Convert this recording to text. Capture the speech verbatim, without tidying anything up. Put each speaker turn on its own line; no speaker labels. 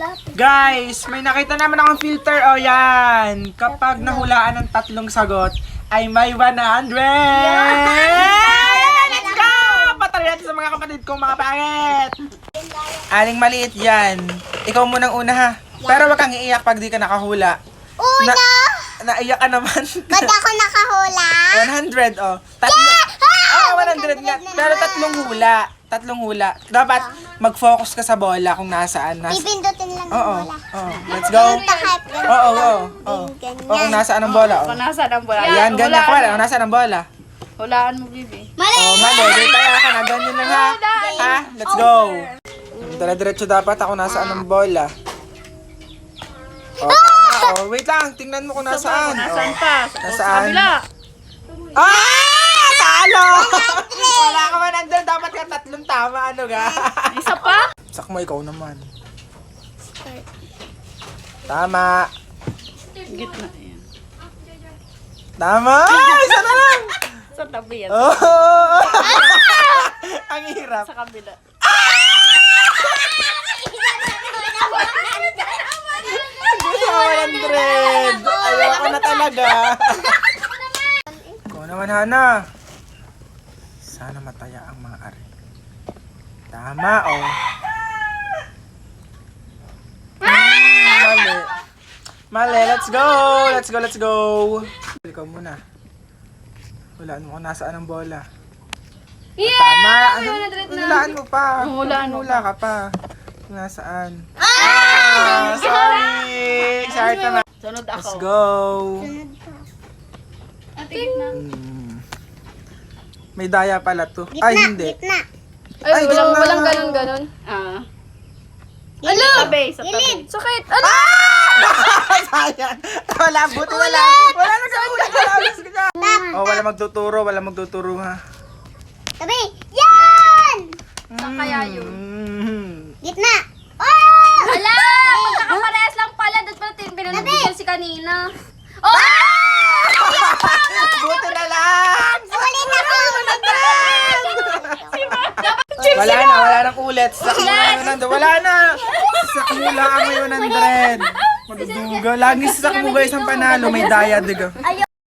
Guys, may nakita naman akong filter. O yan. Kapag nahulaan ng tatlong sagot, ay may one hundred! Let's go! Patay natin sa mga kapatid kong mga pangit. Aling maliit yan. Ikaw munang una ha. Pero wag kang iiyak pag di ka nakahula.
Una!
Na, naiyak ka naman.
Ba't ako nakahula?
one hundred, oh. Tatlo. Ah, one hundred nga. Pero tatlong hula. Tatlong hula. Dapat mag-focus ka sa bola kung nasaan. Nas
Pipindutin lang ng
Oo,
bola.
oo. Let's go.
Takip.
Oo, oo, oo. O kung nasaan ang bola, oh.
Kung nasa ng bola.
Yan, ganyan ko. Kung nasaan ang bola.
Hulaan mo, bibi.
Mali!
Oh, mali. Di tayo ka na. Ganyan lang ha. Ha? Let's go. Dala-diretso dapat ako nasaan ang bola. Oh, tama. Oh, wait lang. Tingnan mo kung nasaan.
Nasaan
Oh.
pa?
Nasaan?
Kabila.
Ah! Talo! Wala ka man andun. Dapat ka tatlong tama. Ano ga?
Isa pa?
Sakmo, ikaw naman. Tama.
Gitna. Yan.
Tama! Isa na lang!
Sa tabi yan.
Oh! Ang hirap.
Sa kabila.
Gusto ko one hundred. Ayoko na talaga. Ikaw naman, Hana. Sana mataya ang mga ari. Tama, oh. Mm, mali. Mali, let's go. Let's go, let's go. Ikaw muna. Hulaan mo kung nasaan ang bola. Yeah! Tama. Ano, hulaan mo pa.
Hulaan mo
Hula ka pa. Kung nasaan. Ah! Sorry! Sorry naman.
Sunod ako.
Let's go.
Ate, gitna.
Hmm. May daya pala to. Ay, hindi.
Gitna.
Ay,
Ay, walang,
gitna.
walang ganon ganon.
Ah.
Ano?
Sa tabi, sa tabi.
Sakit! Ano?
Sayang. Wala, buti wala. Wala na sa ulit. Wala na sa Oh, wala magtuturo. Wala magtuturo ha.
Tabi. Yan!
Saan kaya yun?
Mm.
Gitna. Oh!
Hala! Magkakaparehas lang pala. Doon pala pinanabigyan si kanina. Oh!
Buti na lang.
Ulit ako!
Wala na, wala nang ulit. Sakmula ang nando. Wala na. Sakmula ang may one hundred. Magduga. Lagi sa sakmuga isang panalo. May daya, diga.
Ayaw